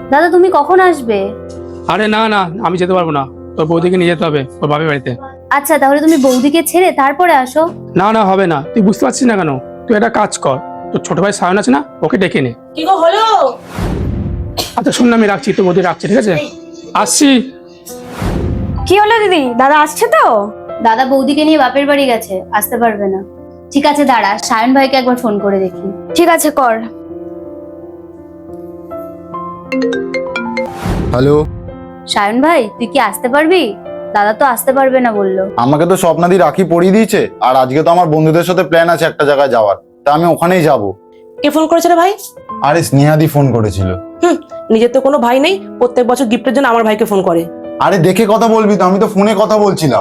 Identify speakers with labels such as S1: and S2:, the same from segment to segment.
S1: দাদা তুমি কখন আসবে?
S2: আরে না না, আমি যেতে পারবো না, তোর বৌদিকে নিয়ে যেতে হবে ওর বাপের বাড়িতে।
S1: আচ্ছা তাহলে তুমি বৌদিকে ছেড়ে তারপরে আসো।
S2: না না, হবে না, তুই বুঝতে পারছিস না কেন? তুই একটা কাজ কর, তোর ছোট ভাই সায়ন আছে না, ওকে ডেকে নে।
S3: কি গো হলো?
S2: আচ্ছা শোন না, আমি রাখছি, তোর বৌদি রাখছি, ঠিক আছে? আসছি।
S4: কি হলো দিদি, দাদা আসছে তো?
S1: দাদা বৌদিকে নিয়ে বাপের বাড়ি গেছে, আসতে পারবে না। ঠিক আছে দাঁড়া, সায়ন ভাইকে একবার ফোন করে দেখি।
S4: ঠিক আছে কর।
S5: হ্যালো,
S1: সায়ন ভাই তুই কি আসতে পারবি? দাদা তো আসতে পারবে না বললো।
S5: আমাকে তো স্বপ্নাদি রাখি পরিয়ে দিয়েছে, আর আজকে তো আমার বন্ধুদের সাথে প্ল্যান আছে একটা জায়গায় যাওয়ার, তা আমি ওখানেই যাব।
S3: কে ফোন করেছে রে ভাই?
S5: আরে স্নেহাদি ফোন করেছিল।
S3: নিজের তো কোনো ভাই নেই, প্রত্যেক বছর গিফটের জন্য আমার ভাইকে ফোন করে।
S5: আরে দেখে কথা বলবি তো, আমি তো ফোনে কথা বলছিলাম।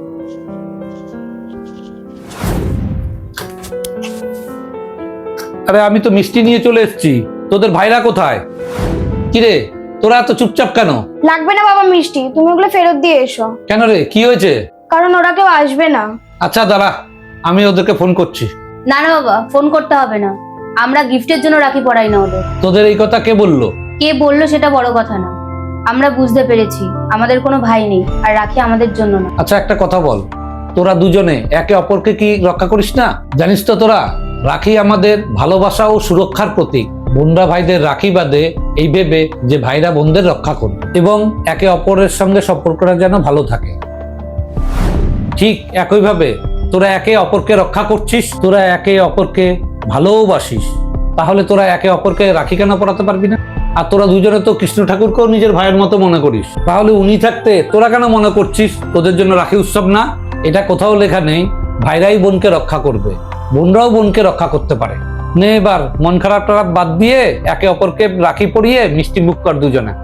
S6: আরে আমি তো মিষ্টি নিয়ে চলে এসেছি, তোদের ভাইরা কোথায়? কিরে তোরা এত চুপচাপ কেন?
S4: লাগবে না বাবা মিষ্টি, তুমি ওগুলো ফেরত দিয়ে এসো।
S6: কেন রে, কি হয়েছে?
S4: কারণ ওরা কেউ আসবে না।
S6: আচ্ছা দাঁড়া, আমি ওদেরকে ফোন করছি।
S1: না না বাবা, ফোন করতে হবে না, আমরা গিফটের জন্য রাখি পড়াই না ওদের।
S6: তোদের এই কথা কে বললো?
S1: কে বললো সেটা বড় কথা না, আমরা বুঝতে পেরেছি আমাদের কোনো ভাই নেই, আর রাখি আমাদের জন্য না।
S6: আচ্ছা একটা কথা বল, তোরা দুজনে একে অপরকে কি রক্ষা করিস না? জানিস তো তোরা, রাখি আমাদের ভালোবাসা ও সুরক্ষার প্রতীক। বোনরা ভাইদের রাখি বাঁধে এই ভেবে যে ভাইরা বোনদের রক্ষা করবে এবং একে অপরের সঙ্গে সম্পর্কটা যেন ভালো থাকে। ঠিক একইভাবে তোরা একে অপরকে রক্ষা করছিস, তোরা একে অপরকে ভালোবাসিস, তাহলে তোরা একে অপরকে রাখি কেন পরাতে পারবি না? আর তোরা দুজনে তো কৃষ্ণ ঠাকুরকেও নিজের ভাইয়ের মতো মনে করিস, তাহলে উনি থাকতে তোরা কেন মনে করছিস তোদের জন্য রাখি উৎসব না? এটা কোথাও লেখা নেই ভাইরাই বোনকে রক্ষা করবে, বোনরাও বোনকে রক্ষা করতে পারে। নে এবার মন খারাপ টারাপ বাদ দিয়ে একে অপরকে রাখি পরিয়ে মিষ্টি মুখ কর দুজনে।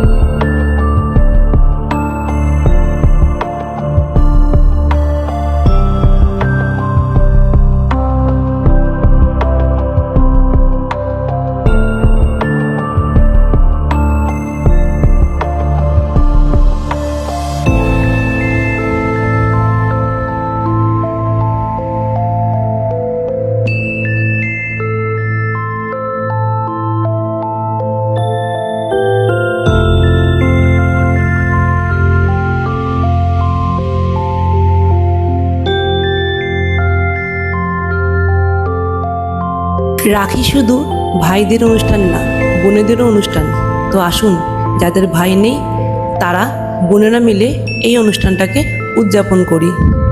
S3: রাখি শুধু ভাইদের অনুষ্ঠান না, বোনেদেরও অনুষ্ঠান। তো আসুন, যাদের ভাই নেই তারা বোনেরা মিলে এই অনুষ্ঠানটাকে উদযাপন করি।